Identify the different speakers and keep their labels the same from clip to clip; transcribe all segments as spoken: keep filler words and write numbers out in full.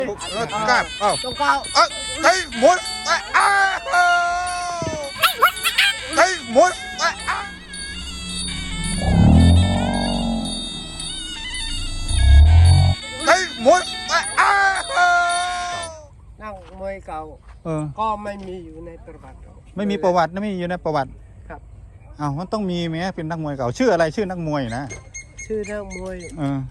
Speaker 1: แล้วกล้าเอ้า
Speaker 2: ต้องก้าว
Speaker 1: เอ้ยเฮ้ยหมุนเอ้ยอ้าวเฮ้ยหมุนเอ้ยอ้าวเฮ้ยหมุนเอ้ยอ้าว
Speaker 2: นั่งมวยเก่า
Speaker 3: เออ
Speaker 2: ก็ไม่มีอยู่ในประวัติ
Speaker 3: ไม่มีประวัตินะไม่มีอยู่ในประวัติ
Speaker 2: ครับ
Speaker 3: อ้าวมันต้องมีไหมเป็นนักมวยเก่าชื่ออะไรชื่อนักมวยนะ
Speaker 2: ชื่อนักมวย
Speaker 3: เออ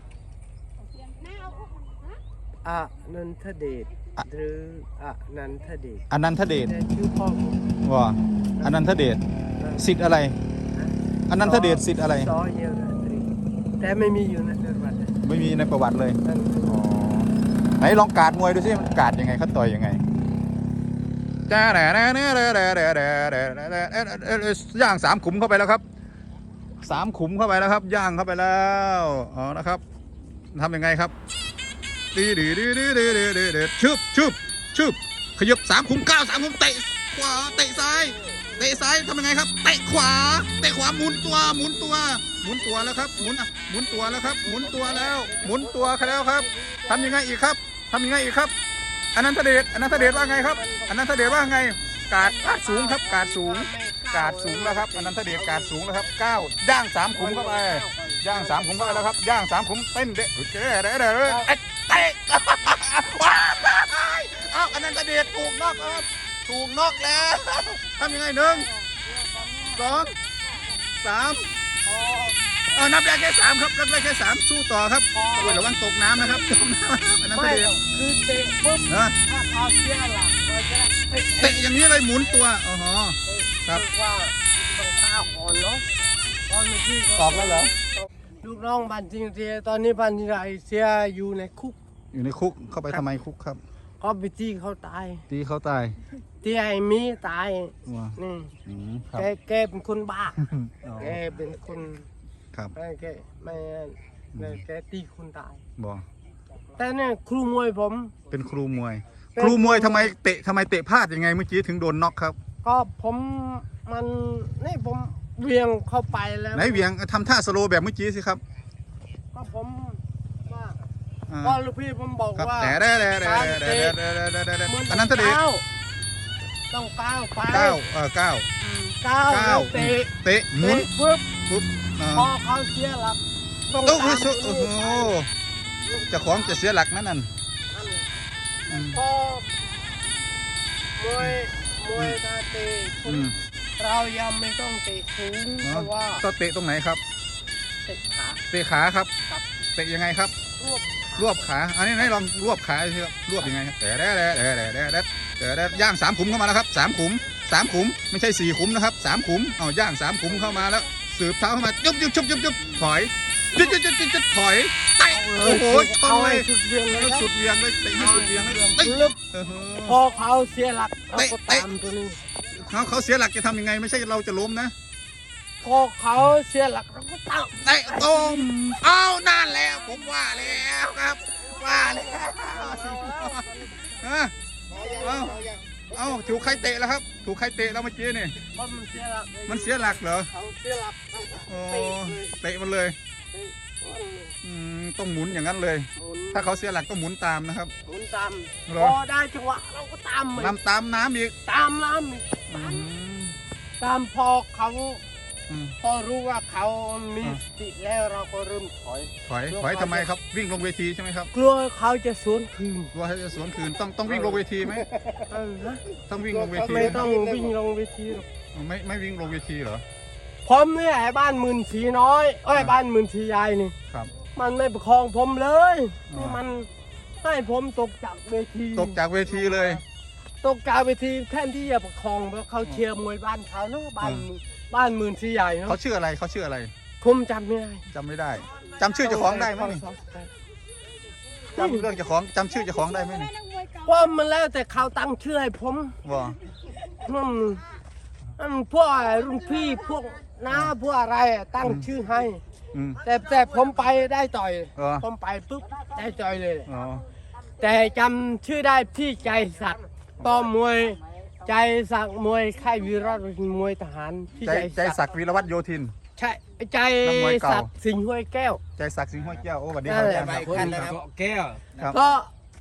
Speaker 2: อนันทเดชหรืออนันทเดช
Speaker 3: อนันทเดช
Speaker 2: แต่ชื่อพ่อผม
Speaker 3: ว่าอนันทเดชสิทธิ์อะไรอนันทเดชสิทธิ์อะไร
Speaker 2: ซอเยลราตรีแต่ไม่มีอยู่ในประวัติ
Speaker 3: ไม่มีในประวัติเลย
Speaker 2: นั่น
Speaker 3: อ๋อไหนลองการดมวยดูสิมันการดยังไงเขาต่อยยังไงจ้าแด่แด่แด่แด่แด่แด่แด่แด่แด่ย่างสามขุมเข้าไปแล้วครับสามขุมเข้าไปแล้วครับย่างเข้าไปแล้วอ๋อนะครับทำยังไงครับดีดีดีดีดีดีดีดีชึบชึบชึบขยับสามขุมเก้าสามขุมเตะขวาเตะซ้ายเตะซ้ายทำยังไงครับเตะขวาเตะขวาหมุนตัวหมุนตัวหมุนตัวแล้วครับหมุนอ่ะหมุนตัวแล้วครับหมุนตัวแล้วหมุนตัวแล้วครับทำยังไงอีกครับทำยังไงอีกครับอนันทเดชอนันทเดชว่าไงครับอนันทเดชว่าไงกาดกาดสูงครับกาดสูงกาดสูงแล้วครับอนันทเดชกาดสูงแล้วครับเก้าย่างสามขุมเข้าไปย่างสามขุมเข้าไปแล้วครับย่างสามขุมเต้นเด้เด้เด้เด้เด้เตะว้ายอ้าวอนันทเดชถูกนอกครับถูกนอกแล้วทำยังไงหนึ่งสองสามเออนับได้แค่สามครับนับได้แค่สามสู้ต่อครับโอ้ยระวังตกน้ำนะครับตกน้ำอนันท
Speaker 2: ไม่
Speaker 3: เดช
Speaker 2: คือเตะปุ๊บ
Speaker 3: เออ
Speaker 2: ถ้าเอาเสียหลักมันจะเตะ
Speaker 3: เตะอย่างนี้เลยหมุนตัวอ๋อฮะ ครับ
Speaker 2: ว่าต้องข้าวก่อนเนาะตอนนี้
Speaker 3: ออกแล้วเหรอ
Speaker 2: ลูกน้องบันจิงเสียตอนนี้บันจิงไรเสียอยู่ในคุก
Speaker 3: อยู่ในคุกเข้าไปทำไมคุกครับ
Speaker 2: ก็ไปจี้เขาตาย
Speaker 3: ตีเขาตาย
Speaker 2: ที่ไอ้มีตาย
Speaker 3: ว้า
Speaker 2: นี่
Speaker 3: อืมครั
Speaker 2: แก
Speaker 3: บ
Speaker 2: แกเป็นคนบ้า
Speaker 3: อ๋อ
Speaker 2: แกเป็นคน
Speaker 3: ครับ
Speaker 2: ไม่แกไม่ไม่แกตีคนตาย
Speaker 3: บอก
Speaker 2: แต่เนี่ยครูมวยผม
Speaker 3: เป็นครูมวย
Speaker 2: เป็น
Speaker 3: ครูมวยทำไมเตะทำไมเตะพลาดยังไงเมื่อกี้ถึงโดนน็อกครับ
Speaker 2: ก็ผมมันนี่ผมเวียงเข้าไปแล้ว
Speaker 3: ไหนเหวียงทำท่าสโลว์แบบเมื่อกี้สิครับ
Speaker 2: ก็ผมว่า
Speaker 3: อ่า
Speaker 2: ก็ลูกพี่ผมบอก
Speaker 3: ครับ
Speaker 2: ว่า
Speaker 3: แต่แต่แต่แต่แต่แต่แต่แต่
Speaker 2: มัน
Speaker 3: อันนั้นทเดช
Speaker 2: ก้าวต้องก้าวไป
Speaker 3: เก้าเออเก้า
Speaker 2: อืมก้าว
Speaker 3: เก้า
Speaker 2: แล้วเตะ
Speaker 3: เตะหมุน
Speaker 2: เตะปุ๊บ
Speaker 3: ปุ๊บอ่า
Speaker 2: พอเขาเสียหลักต้อง
Speaker 3: โอ้โห
Speaker 2: ตาม
Speaker 3: โอ้โหเจะของจะเสียหลักนั่นน่ะ
Speaker 2: นั่นแหละ
Speaker 3: อืม
Speaker 2: พอมวยมวยตาเตะปุ๊
Speaker 3: อื
Speaker 2: บ
Speaker 3: ม
Speaker 2: เรายังไม่ต้องเตะสูงเพราะว่า
Speaker 3: ก็เตะตรงไหนครับ
Speaker 2: เตะขา
Speaker 3: เตะขาครับ
Speaker 2: ครับ
Speaker 3: เตะยังไงครับ
Speaker 2: รวบ
Speaker 3: รวบขาอันนี้ไหนลองรวบขาสิครับรวบยังไงครับแต่แต่แต่แต่แต่แต่แต่แต่ย่างสามขุมเข้ามาแล้วครับสามขุมสามขุมไม่ใช่สี่ขุมนะครับสามขุมเอาย่างสามขุมเข้ามาแล้วสืบเท้าเข้ามายุบยุบยุบยุบยุบถอยยุบยุบยุบยุบยุบถอยเตะโอ้โหชนเลย
Speaker 2: สุดเวียงเลยนะ
Speaker 3: สุดเวียงเลยเตะให้สุดเวียงเลยเตะ
Speaker 2: ลึก
Speaker 3: เออ
Speaker 2: พอเขาเสียหลักเขาก็ตามตัวนี้
Speaker 3: เขาเขาเสียหลักจะทำยังไงไม่ใช่เราจะล้มนะ
Speaker 2: พอเขาเสียหลักเราก็ตาม
Speaker 3: เตะต้มเอานั่นแล้วผมว่าแล้วครับว่าแล้วฮะเอาเอาถูกใครเตะแล้วครับถูกใครเตะแล้วเมื่อกี้นี่
Speaker 2: เพราะมันเสียหลัก
Speaker 3: มันเสียหลักเหรอ
Speaker 2: เขาเสียหลักเขาก็
Speaker 3: โอ้
Speaker 2: เตะเลย
Speaker 3: เตะมันเลย
Speaker 2: เตะ
Speaker 3: อืมต้องหมุนอย่างนั้นเลย
Speaker 2: หมุน
Speaker 3: ถ้าเขาเสียหลักก็หมุนตามนะครับ
Speaker 2: หมุนตาม
Speaker 3: เหรอ
Speaker 2: พอได้จังหวะเราก็ตามมัน
Speaker 3: นำตามน้ำอีก
Speaker 2: ตามน้ำอีก
Speaker 3: อื
Speaker 2: ตาม
Speaker 3: ม
Speaker 2: ตามพอเขา
Speaker 3: อืม
Speaker 2: พอรู้ว่าเขามี
Speaker 3: อ่า
Speaker 2: สติแล้วเราก็เริ่มถอย
Speaker 3: ถอยถอยทำไมครับวิ่งลงเวทีใช่ไหมครับ
Speaker 2: กลัวเขาจะสวนคืน
Speaker 3: กลัวเขาจะสวนคืนต้องต้องวิ่งลงเวทีไหม
Speaker 2: เออนะ
Speaker 3: ต้องวิ่งลงเวที
Speaker 2: ไม่
Speaker 3: ไหม
Speaker 2: ต้องวิ่งลงเวทีหรอก
Speaker 3: ไม่ไม่วิ่งลงเวทีเหรอ
Speaker 2: ผมเนี่ยไอ้บ้านหมื่นสีน้อยเอ้ย
Speaker 3: อ่า
Speaker 2: บ้านหมื่นสีใหญ่นี่
Speaker 3: ครับ
Speaker 2: มันไม่ประคองผมเลย
Speaker 3: อ่า
Speaker 2: นี่มันให้ผมตกจากเวที
Speaker 3: ตกจากเวทีเลย
Speaker 2: ตกจากเวทีแทนที่จะประคองเพราะเขาเชียร์มวยบ้านเขาเนาะบ้าน
Speaker 3: อ่า
Speaker 2: หมื่นบ้านหมื่นสีใหญ่เนาะ
Speaker 3: เขาชื่ออะไรเขาชื่ออะไร
Speaker 2: ผมจำไม่ได้
Speaker 3: จำไม่ได้จำชื่อเจ้าของได้ไหมนี่จำเรื่องเจ้าของจำชื่อเจ้าของได้ไหมนี่
Speaker 2: เพราะมันแล้วแต่เขาตั้งชื่อให้ผม
Speaker 3: ว่า
Speaker 2: นั่นนั่นพวกรุ่นพี่พวกน้าพวกอะไรอะตั้งชื่อให้
Speaker 3: อืม
Speaker 2: แต่แต่ผมไปได้ต่อย
Speaker 3: เหรอ
Speaker 2: ผมไปปุ๊บได้ต่อยเลย
Speaker 3: อ๋อ
Speaker 2: แต่จำชื่อได้พี่ใจศักดิ์ต่อมวยใจศักดิ์มวยค่ายวีรสมวยทหารพี่
Speaker 3: ใจ
Speaker 2: ใจ
Speaker 3: ใจศักดิ์วีรวัฒน์โยธิน
Speaker 2: ใช่ใจ
Speaker 3: นักมวยเก่า
Speaker 2: ศักดิ์สิงห์ห้วยแก้ว
Speaker 3: ใจศักดิ์สิงห์ห้วยแก้วโอ้สวัสดีค
Speaker 2: นั่
Speaker 3: รับ
Speaker 2: นแหละ
Speaker 3: อาจารย์
Speaker 2: ไป
Speaker 3: ครับ
Speaker 2: กันนะครับ
Speaker 4: แก้ว
Speaker 3: ครับ
Speaker 2: ก็
Speaker 4: โต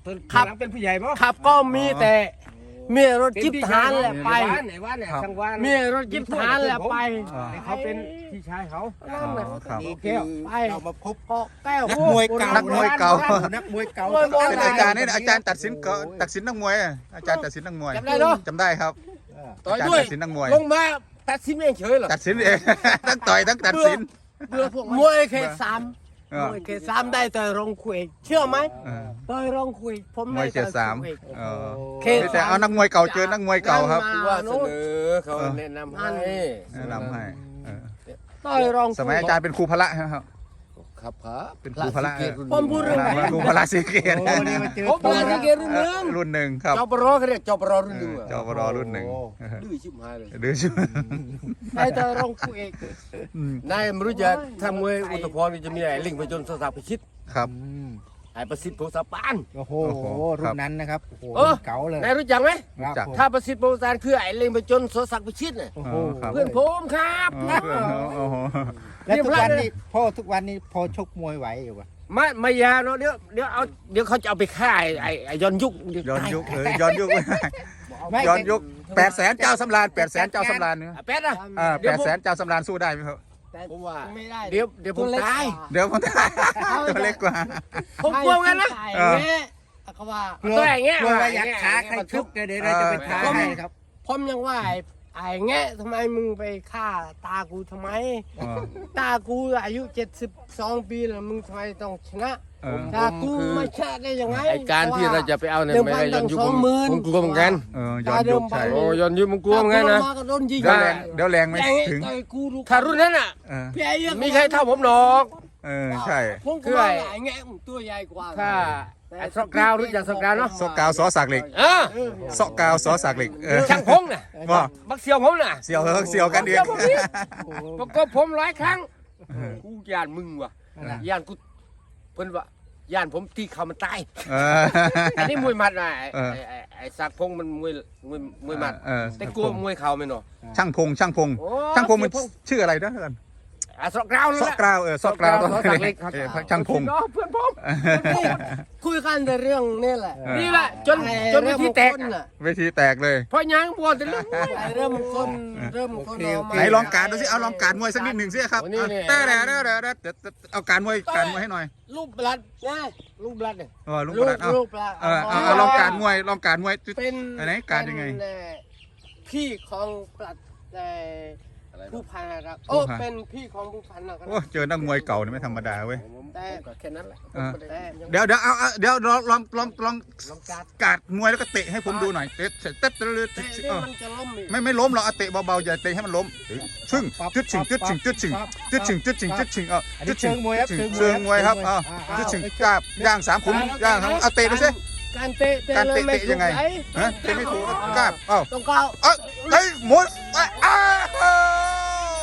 Speaker 2: ครับ
Speaker 4: เป็นผู้ใหญ่ป่ะ
Speaker 2: ขับก็มีแต่มีรถจิ๊บทหารแหละไป
Speaker 4: ไหนว่าเนี่ยทางวาน
Speaker 2: มีรถจิ๊บทหารแหละไป
Speaker 4: เขาเป็นพี่ชายเขา
Speaker 2: นั่นแหละ
Speaker 3: ครับ
Speaker 4: โอเค
Speaker 2: ไป
Speaker 4: เรามาพบ
Speaker 2: เกาะแก้ว
Speaker 4: นักมวยเก่า
Speaker 3: นักมวยเก่า
Speaker 4: นักมวยเก่า
Speaker 3: เป็นอาจารย์นี่อาจารย์ตัดสินก็ตัดสินนักมวยอะอาจารย์ตัดสินนักมวย
Speaker 2: จำได้เนาะ
Speaker 3: จำได้ครับ
Speaker 4: ต่อย
Speaker 3: อาจาร
Speaker 4: ด้วย
Speaker 3: ย์ตัดสินนักมวย
Speaker 4: ลงมาตัดสินเองเฉยเหรอ
Speaker 3: ตัดสินเอง ทั้งต่อยทั้งตัดสิน
Speaker 2: เบื่อพวกมวยเคสาม
Speaker 3: เออ
Speaker 2: มวยเคสามได้ต่อยรองคุยเชื่อไหม
Speaker 3: เออ
Speaker 2: ต่อยรองคุยผม
Speaker 3: ม
Speaker 2: ได้
Speaker 3: วยเจ็ดสาม
Speaker 2: ต่อย
Speaker 3: เออ
Speaker 2: เค
Speaker 3: ไม่
Speaker 2: ส
Speaker 3: แต่เอานักมวยเก่าเจอนักมวยเก่าครับ
Speaker 2: นั่น
Speaker 4: ว่า
Speaker 2: มา
Speaker 4: เส
Speaker 2: โน้
Speaker 4: น
Speaker 2: น
Speaker 4: อเขาแนะนำให้
Speaker 3: แนะนำให้เออ
Speaker 2: ต่อยรองคุ
Speaker 3: สมัยอาจารย์เป็นครูพละครับ
Speaker 4: ครับครับ
Speaker 3: เป็นครูพละ
Speaker 2: ผมพูดเรื่องไหน
Speaker 3: ครูพละสีเกต
Speaker 4: ผมพลาดที่เกรุ่นหนึ่ง
Speaker 3: รุ่นหนึ่งครับ
Speaker 4: จอบรอเขาเรียกจอบรอรุ่นหนึ่ง
Speaker 3: จอบรอรุ่นหนึ่ง
Speaker 4: ดื้อชิบหายเลย
Speaker 3: ดื้อชิบ
Speaker 2: ได้ต่อยรองคุย
Speaker 3: อืม
Speaker 4: นายไม่รู้จะทำมวยอุตภพรนี่จะมีไอ้ลิงไปจนสาวพิชิต
Speaker 3: ครับ
Speaker 4: ไอ้ประสิทธิ์โพสปาน
Speaker 5: โอ้โห
Speaker 3: โอ้โห
Speaker 5: รุ่นนั้นนะครับโอ้โห
Speaker 4: เออ
Speaker 5: เก๋าเลย
Speaker 4: นายรู้จักไหม
Speaker 5: ครับ
Speaker 3: จัก
Speaker 5: ผม
Speaker 4: ถ้าประสิทธิ์โพสปานคือไอ้ลิงไปจนสศักดิ์พิชิตน่ะ
Speaker 5: โอ้
Speaker 3: อ๋
Speaker 5: โห
Speaker 3: อครับ
Speaker 4: เพื่อนผมครับ
Speaker 3: อ๋อเพื่อนเขาโอ้โห
Speaker 5: แล้วทุกวันนี้พ่อทุกวันนี้พอชกมวยไหวอยู่ปะ
Speaker 4: ไม่ไม่ยาเนาะเดี๋ยวเดี๋ยวเอาเดี๋ยวเขาจะเอาไปฆ่าไอ้ไอ้ไอ้ย้อนยุค
Speaker 3: ย้อนยุคเออย้อนยุคย้อนยุคแปดแสนเจ้าสำราญแปดแสนเจ้าสำราญเนี่ย
Speaker 4: อ่ะแป๊ดนะ
Speaker 3: อ่าแปดแสนเจ้าสำราญสู้ได้ไหมครับ
Speaker 4: ผมว่า
Speaker 2: ไม่ได้
Speaker 4: เดี๋ยวเดี๋ยวผมตาย
Speaker 3: เดี๋ยวผมตัวเล็กกว่า
Speaker 4: ผมกลัวงั้นนะ
Speaker 3: เออ
Speaker 2: เขาว่า
Speaker 5: กลัว
Speaker 4: ตัวอย่างเงี้ย
Speaker 5: กลัวว่าอยากขาใครชุกเดี๋ยวเราจะไปท้าให้ครับ
Speaker 2: ผมยังว่าไอ้ไอ้แงะทำไมมึงไปฆ่าตากูทำไม
Speaker 3: อ๋อ
Speaker 2: ตากูอายุเจ็ดสิบสองปีแล้วมึงทำไมต้องชนะ
Speaker 3: เออ
Speaker 2: ตากูไม่ชนะได้ยังไง
Speaker 4: ไอ้การที่เราจะไปเอาเนี่ย
Speaker 2: เดิม
Speaker 4: ไม่
Speaker 2: พัน
Speaker 4: ได้ย้
Speaker 2: ตั้
Speaker 4: อน
Speaker 2: ง
Speaker 4: ยุค
Speaker 2: สอ
Speaker 4: ผ
Speaker 2: ง
Speaker 4: ม
Speaker 2: หมื่น
Speaker 4: ผมกลัวเหมือนกัน
Speaker 3: เออย้อนยุคใช่
Speaker 4: โอ้ย้อนยุคผมกลัวเหมือนกันนะ
Speaker 2: มาก็โดนยิง
Speaker 3: เดี๋ยวแรงเดี๋ยวแรงไม่
Speaker 2: แรง
Speaker 3: ถึง
Speaker 2: ต่อยกูรู้
Speaker 4: ถ้ารุ่นนั้นอ่ะ
Speaker 3: เออ
Speaker 2: พี่ไอ้เหี้ย
Speaker 4: มีใครเท่าผมหรอก
Speaker 3: เออใช่
Speaker 2: ผมก็ว่าไอ้แงะมึงตัวใหญ่กว่า
Speaker 4: ถ้าไอ้สกราวรู้จักสกราวเนาะ
Speaker 3: ซอกกาวซอสักเหล็ก
Speaker 4: เออ
Speaker 3: ซอกกาวซอสักเหล็กเออ
Speaker 4: ช่างพงน่ะ
Speaker 3: ว่า
Speaker 4: บักเสียวผมน่ะ
Speaker 3: เสียวเออเสียวกันเอง
Speaker 4: ประกบผมหลายครั้งกูย่านมึงว่ะย่านกูเพิ่นว่าย่านผมตีเขามันตาย
Speaker 3: เออ
Speaker 4: อันนี้มวยหมัดนะไอ้
Speaker 3: เออ
Speaker 4: ไอ้ไอ้ไอ้สักพงมันมวยมวยมวยหมัด
Speaker 3: เออ
Speaker 4: แต่กลัวมวยเข่าไม่เนาะ
Speaker 3: ช่างพงช่างพง
Speaker 4: โอ้
Speaker 3: ช่างพงมัน
Speaker 4: เสียพง
Speaker 3: ชื่ออะไรนะเพื่อน
Speaker 4: อ่ะสกราวนั่น
Speaker 3: ซอ
Speaker 4: แห
Speaker 3: ก
Speaker 4: ละ
Speaker 3: กราวเออซอกกราว
Speaker 4: ซอกกราวซอกเล็กครับ
Speaker 3: เออช่างพง
Speaker 4: เนาะเพื่อนผม
Speaker 2: คุยกันแต่เรื่องนี่แหละ
Speaker 3: เออ
Speaker 4: นี่แหละจน
Speaker 2: ไอ้
Speaker 4: จนวิธีแตก
Speaker 2: เรื่องมงคล
Speaker 4: อะ
Speaker 2: น่ะ
Speaker 3: เวทีแตกเลย
Speaker 4: เพราะยังบวชแต่เรื่องมวย
Speaker 2: ไอ้เริ่มมงคนเริ่มมงคนเอามา
Speaker 3: ไหนลองการดูสิเอาลองการมวยสักนิดหนึ่งสิครับ
Speaker 4: โอ้นี่นี่
Speaker 3: แต่แต่แต่แต่แต่เอาการมวยการมวยให้หน่อย
Speaker 2: รูปบลัดนะ
Speaker 4: ลูกบลัดเนี่ย
Speaker 3: เออลุง
Speaker 2: รู
Speaker 3: ก
Speaker 2: ประ
Speaker 3: ดาษเอา
Speaker 2: รูปบลัด
Speaker 3: เออเอาเอาลองการมวยลองการมวย
Speaker 2: เป็น
Speaker 3: อันไหนการยังไง
Speaker 2: เป็นเอ่อพี่ของปลัดแต่
Speaker 4: อะไร
Speaker 2: ผู้
Speaker 4: เนาะ
Speaker 2: พันนะครับ
Speaker 3: ผู้
Speaker 2: โอ้
Speaker 3: พัน
Speaker 2: เป็นพี่ของผู้พันนะครับ
Speaker 3: โอ้เจอนักมวยเก่านี่ไม่ธรรมดาเว้ย
Speaker 4: ผมผมก็แค่นั้นแหละ
Speaker 3: เออ
Speaker 2: แต่
Speaker 3: เดี๋ยวเดี๋ยวเอาเอาเดี๋ยวลองลองลองลอง
Speaker 4: ลองการ
Speaker 3: กาดมวยแล้วก็เตะให้ผมดูหน่อยเตะเตะเตะเตะเตะ
Speaker 2: แต่
Speaker 3: เอ
Speaker 2: นี่
Speaker 3: อ
Speaker 2: มันจะล้มอีก
Speaker 3: ไม่ไม่ล้มหรอกเอาเตะเบาๆอย่าเตะให้มันล้มชึ่งจุดชิงจุดชิงจุดชิงจุดชิงจุดชิงจุดชิงเออ
Speaker 5: อัน
Speaker 3: จุ
Speaker 5: นี้
Speaker 3: ดชิ
Speaker 5: เชิ
Speaker 3: ง
Speaker 5: งมวยครับ
Speaker 3: เชิงมวยครับเอาจุดชิงกราบย่างสามขุมย่างครับเอาเตะดูสิ
Speaker 2: การเตะเตะ
Speaker 3: การ
Speaker 2: เล
Speaker 3: เตะ
Speaker 2: ยไม่
Speaker 3: เตะยังไง
Speaker 2: ถูกห
Speaker 3: ฮะเตะไม่ถูกกราบเอ้า
Speaker 2: ต้องก้าว
Speaker 3: เอ้ยเฮ้ยหมุนเอ้ยอ้าว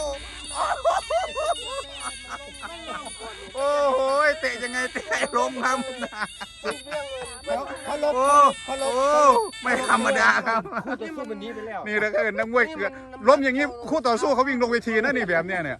Speaker 3: โอ้โหเตะยังไงเตะให้ล้มครับ
Speaker 5: เขาลบ
Speaker 3: โอ้
Speaker 5: เขาล
Speaker 3: โอ้
Speaker 5: บ
Speaker 3: ไม่ธรรมดาครับ
Speaker 4: คู่ต่อสู้มันหนี้ไปแล้ว
Speaker 3: นี่แล้วก็นักมวยเกือบล้มอย่างนี้คู่ต่อสู้เขาวิ่งลงเวทีนะนี่แบบเนี้ยเนี่ย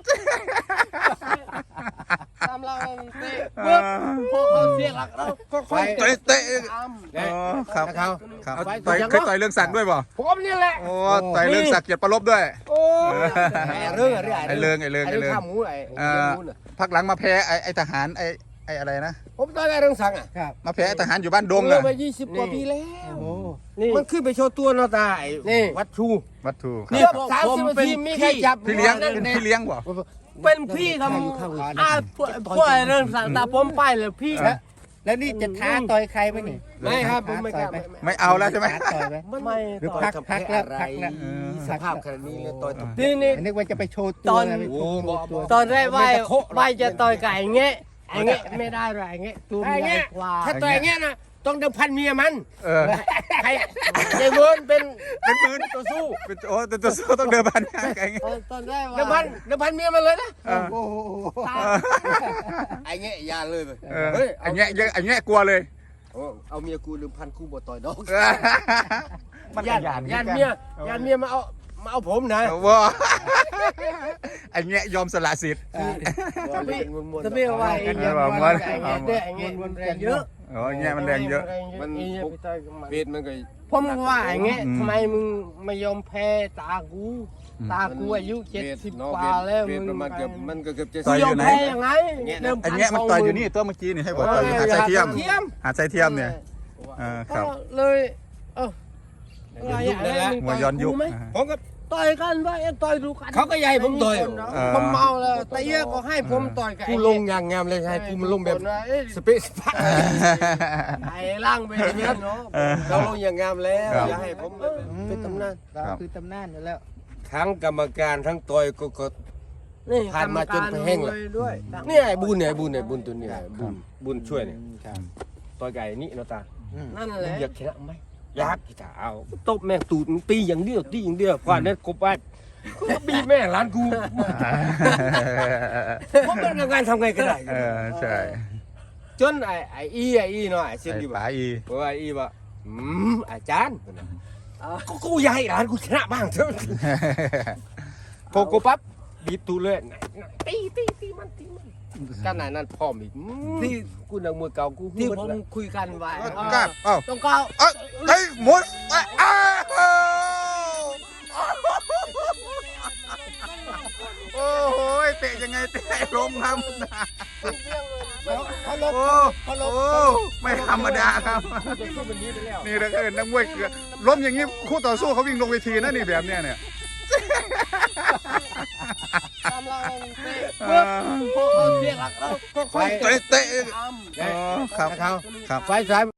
Speaker 2: ตามเราเตะปุ๊บพอเขาเสียหลักเราก็ค่อย
Speaker 3: เตะเตะ
Speaker 2: ตาม
Speaker 3: อ๋อครับ
Speaker 4: นะครับ
Speaker 3: ครับ
Speaker 4: เอาไว้
Speaker 3: ต่อย
Speaker 4: ยัง
Speaker 3: เคยต่อยเรื่องสักดิ์ด้วยป่ะ
Speaker 4: ผมนี่แหละ
Speaker 3: โอ้ต่อยเรื่องสักดิ์เกียรติประลบด้วย
Speaker 4: โอ้ยไอ้เรื่องอะไร
Speaker 3: ไอ้เรื่องไอ้เรื่อง
Speaker 4: ไอ้
Speaker 3: ไอ้
Speaker 4: เรื่
Speaker 3: เรื่อง
Speaker 4: องข้ามหมูไอ้
Speaker 3: เอ่อ
Speaker 4: หมูน่ะ
Speaker 3: พักหลังมาแพ้ไอ้ไอ้ทหารไอ้ไอ้อะไรนะ
Speaker 4: ผมตอนไอ้เรื่องสังอ่ะ
Speaker 5: ครับ
Speaker 3: มาแพ้ไอ้ทหารอยู่บ้านดง
Speaker 4: เอ
Speaker 3: น่ะ
Speaker 4: อมายี่สิบกว่าปีแล้ว
Speaker 5: โอ้
Speaker 2: นี่
Speaker 4: มันขึ้นไปโชว์ตัวเนาะตาไอ้
Speaker 2: นี่
Speaker 4: วัดชู
Speaker 3: วัตถุค
Speaker 2: นี่
Speaker 3: รับ
Speaker 4: สามสิบนาทีมีใครจับ
Speaker 3: พี่เลี้ยงเป็นพี่เลี้ยงป่ะ
Speaker 2: เป็นพี่ทำอ่าพวกพวกไอ้เรื่องสั่งตาผมไปเลยพี่
Speaker 5: แล้วแล้วนี่จะท้าต่อยใครไหมนี่
Speaker 4: ไม่ครับผมไม่กล้า
Speaker 5: ท้
Speaker 4: ไม่
Speaker 3: ไม่เอาแล้วใช่ไหม
Speaker 5: ท้าต่อยไหม
Speaker 2: ไม่
Speaker 5: หรือ
Speaker 2: ต่อ
Speaker 5: พักพักแล้วพักแล้ว
Speaker 4: สภาพขนาดนี้เลยต่อยตบ
Speaker 2: นี่นี่
Speaker 5: นึกว่าจะไปโชว์
Speaker 2: ต
Speaker 5: ตัว
Speaker 2: อน
Speaker 5: นะไปโชว์ตัว
Speaker 2: ตอนแรกว่าว่าจะต่อยไก่เงี้ยไอ้เงี้ยไม่ได้หรอกไอ้เงี้ยตัว
Speaker 4: ไอ้
Speaker 2: ใหญ่
Speaker 4: เงี้ย
Speaker 2: กว่า
Speaker 4: ถ้าต่อยอย่างเงี้ยนะต้องเดิมพันเมียมัน
Speaker 3: เออ
Speaker 4: ใครยายเวิร์นเป็น
Speaker 3: เป็นปืน
Speaker 4: ตัวสู้
Speaker 3: เป็นโอ้แต่ตัวสู้ต้องเดินพันไง
Speaker 2: ตอนตอนแรกว่า
Speaker 4: เดิมพันเดิมพันเมียมันเลยนะ
Speaker 3: เออ
Speaker 5: โอ้โห
Speaker 2: ตา
Speaker 4: ไอ้เงี้ยอยาเลยไป
Speaker 3: เออ
Speaker 4: เฮ้ย
Speaker 3: ไอ้เงี้ยเยอะไอ้เงี้ยกลัวเลย
Speaker 4: โอ้เอาเมียกูเดิมพันกูบ่ต่อยดอก
Speaker 3: มัน
Speaker 4: ญาติญาติเมียญาติเมียมาเอามาเอาผมนะ
Speaker 3: ว้าไอ้เงี้ยยอมสละสิทธิ์
Speaker 2: ถ้าพี่ถ้าพี่ว่าไอ้เงี้ย
Speaker 3: ว่า
Speaker 2: ว่าไอ้เงี้ยเด้ไอ้เงี้ยมันแรงเยอะ
Speaker 3: เอ๋อแง่มันแรงเยอะ
Speaker 4: มัน
Speaker 2: ไอ้เหี้ยไปต่อยกับมัน
Speaker 4: เวทมันก็
Speaker 2: ผมก็ว่าอย่างเงี้ย
Speaker 3: อืม
Speaker 2: ทำไมมึงไม่ยอมแพ้ตากู
Speaker 3: อืม
Speaker 2: ตากูอายุเจ็ดสิบ
Speaker 4: เนาะ
Speaker 2: กว่าแล้ว
Speaker 4: เวท
Speaker 2: มึง
Speaker 4: ประมาณเกือบมันก็เกือบจะ
Speaker 3: ต่อย
Speaker 2: ย
Speaker 3: อ
Speaker 2: อยู่ ม
Speaker 3: ไหน
Speaker 2: แพ้ยังไง
Speaker 4: เนี่ย
Speaker 2: เดิม
Speaker 3: ไอ้แง่มันต่อยอยู่นี่ตัวเมื่อกี้นี่ให้บอกต่อยอยู่หาดทรายเทียม
Speaker 2: เทียม
Speaker 3: หาดทรายเทียมเนี่ยเออครับ
Speaker 2: ก็เลยเอออะไร
Speaker 4: ยุคนั้นแหละ
Speaker 2: มึง
Speaker 3: มวย
Speaker 2: ต่
Speaker 3: ย้อนยุค
Speaker 2: กูไหม
Speaker 3: อ่า
Speaker 4: ผมก็
Speaker 2: ต่อยกันว่าเอ้ยต่อยดูกัน
Speaker 4: เขาก็ใหญ่ผมต่อย
Speaker 3: เออ
Speaker 2: ผมเมาแล้วแต่เอี้ยก็ให้ผมต่อยกับ
Speaker 4: กู
Speaker 2: ไอ้
Speaker 4: ลงอย่างงามเลยให้กูมันลงแบบ
Speaker 2: เอ้ย
Speaker 4: สเปซสปา
Speaker 2: ไอ้ล่างไปอย่างนี้เนาะ
Speaker 3: เออ
Speaker 4: เราลงอย่างงามแล้ว
Speaker 3: ครับ
Speaker 4: อย่าให้ผมเป็นตำนาน
Speaker 5: เราคือตำนานอยู่แล้ว
Speaker 4: ทั้งกรรมการทั้งต่อยก็ก็
Speaker 2: นี่
Speaker 4: ผ่านมาจนแห้งละ
Speaker 2: กรรมการด้วย
Speaker 4: เนี่ยไอ้บุญเนี่ยไอ้บุญเนี่ยบุญตัวเนี่ยบุญบุญช่วยเนี่ย
Speaker 5: ครับ
Speaker 4: ต่อยไก่นี่เนาะตา
Speaker 2: นั่นแห
Speaker 4: มึ
Speaker 2: ละ
Speaker 4: งอยากชนะไหมอยากที่จะเอาตบแม่งตูดมึงตีอย่างเดียวตีอย่างเดียวควานเนี่ยกบไปกูก็บีบแม่ร้านกูผมเป็นงานทำไงก็ได้
Speaker 3: เออใช่
Speaker 4: จนไอ้ไอ้อีไอ้อีเนาะไอ้เส้น
Speaker 3: ไอ้
Speaker 4: ดี
Speaker 3: ป๋า
Speaker 4: บ่า
Speaker 3: อี
Speaker 4: เพราะว่าอีว่าอืมอาจารย์ก็กูอยากให้ร้านกูชนะบ้างเถอะพอกูปั๊บบีบตูดเลยไหนไหนตีตีตีมันตีมันขนาดนั้นพร้อมอีกอืมที่กูนักมวยเก่ากู
Speaker 2: ที่
Speaker 4: พูด
Speaker 2: ผม
Speaker 4: แล้ว
Speaker 2: คุยกันไว้
Speaker 1: กล้าเอ้า
Speaker 2: ต้องก้าว
Speaker 1: เอ้ยเฮ้ยมวยเอ้ยอ้าว
Speaker 3: โอ้โหเตะยังไงเตะล้มครับ
Speaker 5: เขาลบ
Speaker 3: โอ้
Speaker 5: เขาลบ
Speaker 3: โอ้ไม่ธรรมดาครับ นี่ถ้าเกิดนักมวยเกิดล้มอย่างนี้คู่ต่อสู้เขาวิ่งลงเวทีนะนี่แบบเนี้ยเนี่ย
Speaker 2: ตามเราเตะปุ๊บพอเขาเรียกแล้วก็ค่อย
Speaker 1: เตะเตะ
Speaker 2: ทำ
Speaker 3: อ๋อครับ
Speaker 4: เขา
Speaker 3: ครับ
Speaker 4: ไฟสาย